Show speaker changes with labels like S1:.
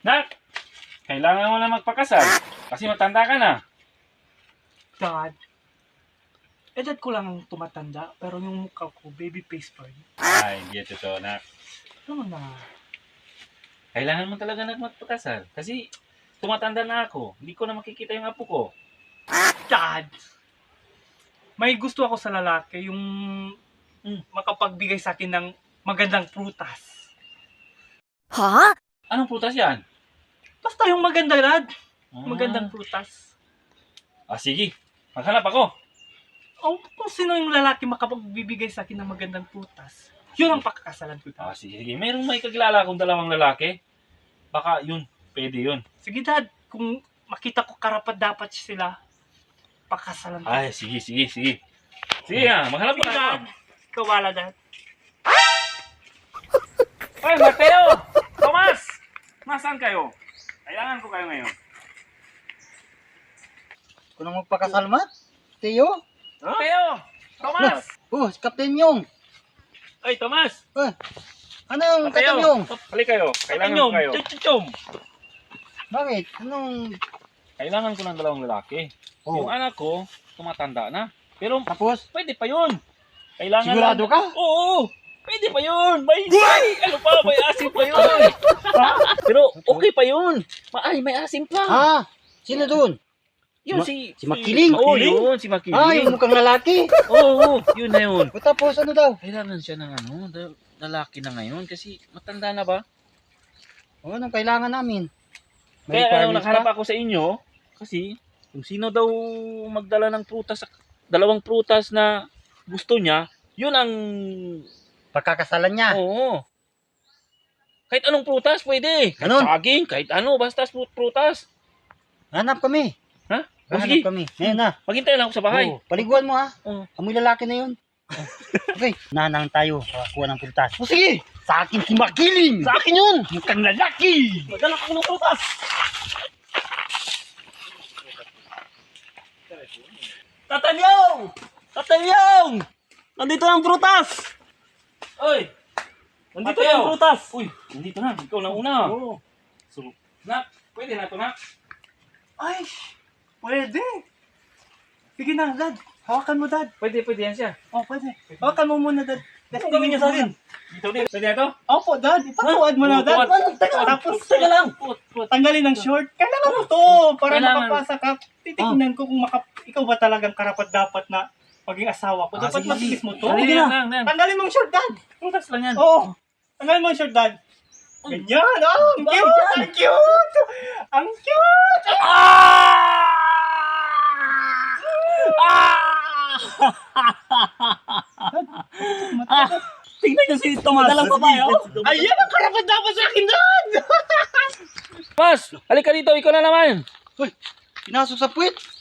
S1: Nak, kailangan mo na magpakasal. Kasi matanda ka na.
S2: Dad, edad ko lang ang tumatanda, pero yung mukha ko, baby face pa rin.
S1: Ay, hindi totoo, nak.
S2: Ano na?
S1: Kailangan mo talaga na magpakasal. Kasi tumatanda na ako. Hindi ko na makikita yung apo ko.
S2: Dad! May gusto ako sa lalaki, yung makapagbigay sa akin ng magandang prutas.
S1: Anong prutas yan?
S2: Basta yung maganda, Dad.
S1: Ah.
S2: Magandang prutas.
S1: Sige. Maghanap ako.
S2: O, kung sino yung lalaki makapagbibigay sa akin ng magandang prutas, yun ang pakakasalan ko, Dad.
S1: Sige. Mayroong may kakilala akong dalawang lalaki. Baka yun. Pwede yun.
S2: Sige, Dad. Kung makita ko karapat-dapat sila, pakasalan ko.
S1: Ay, sige. Sige nga. Maghanap
S2: Sige,
S1: na
S2: Dad.
S1: ako.
S2: Ikaw wala, Dad.
S1: Ay, Mateo! Tomas! Nasaan kayo? Kailangan ko kayo ngayon.
S3: Kung nang magpakasal, Mat? Tiyo?
S1: Mateo! Tomas!
S3: Oh, si Captain Yung.
S1: Ay, Tomas!
S3: Anong Captain Yung?
S1: Halik kayo. Kailangan ko kayo.
S2: Chuchum.
S3: Bakit? Anong...
S1: Kailangan ko ng dalawang lalaki. Yung
S3: Oh,
S1: anak ko, tumatanda na. Pero
S3: tapos?
S1: pwede pa yun. Kailangan
S3: Sigurado ka?
S1: Oo! Pwede pa yun! Ano pa? May asim pa yun! Pero okay pa yun! May asim pa!
S3: Ah, sino dun?
S1: Yun
S3: Si Makiling?
S1: Oo,
S3: Makiling?
S1: yun! Si Makiling!
S3: Ah, yung mukhang lalaki.
S1: Oo, yun na yun.
S3: O tapos ano daw?
S1: Kailangan siya ng lalaki na ngayon kasi matanda na ba?
S3: O, anong kailangan namin? May
S1: Kaya
S3: requirements
S1: nakahanap
S3: pa?
S1: ako sa inyo kasi kung sino daw magdala ng prutas, dalawang prutas na gusto niya, yun ang
S3: Pagkakasalan niya.
S1: oo. Kahit anong prutas pwede. Kahit
S3: Ganun?
S1: saging, kahit ano, basta prutas.
S3: Hanap kami.
S1: Ha? O
S3: Hanap
S1: sige,
S3: kami. Ngayon na.
S1: maghintay lang ako sa bahay.
S3: Oh, paliguan mo ha.
S1: Oo.
S3: Amoy lalaki na yun. Okay, nanang tayo. Kuha ng pultas. O sige, sa akin si Makiling.
S1: Sa akin yun!
S3: Mukhang lalaki.
S1: Magdala ko ng prutas!
S2: Tatalyong! Tatalyong! Nandito ang prutas!
S1: Oy!
S2: Nandito
S1: Mateo!
S2: ang prutas!
S1: Uy, nandito na. Ikaw na una.
S2: Oo.
S1: So, nak, pwede na to, nak.
S2: Ay, pwede. Sige na, Dad. Hawakan mo, Dad.
S1: Pwede yan siya.
S2: Oh, pwede. Hawakan mo muna, Dad.
S1: Anong gawin niyo sa akin? Dito din. Pwede na to?
S2: Opo, Dad. Ipatuwad mo na, Dad. Tapos,
S1: Teka lang.
S2: tanggalin ang short. Kailangan mo to para
S1: Kailangan.
S2: makapasa ka. Titignan ko kung ikaw ba talagang karapat-dapat na maging asawa ko. Dapat
S3: sige,
S2: matigis mo to.
S1: Sige na.
S2: Tanggalin mo ang short, Dad.
S1: Prutas lang yan.
S2: Oo. Tanggalin mo ang short, Dad. Ganyan. Oh, ang cute. Ang cute. Ang cute.
S1: Tingnan niyo si Tomas.
S2: Dalang babae, oh. Ayan ang karapat-dapat sa akin, Dad.
S1: Tomas, halika dito. Ikaw na naman.
S3: Pinasok sa puwit.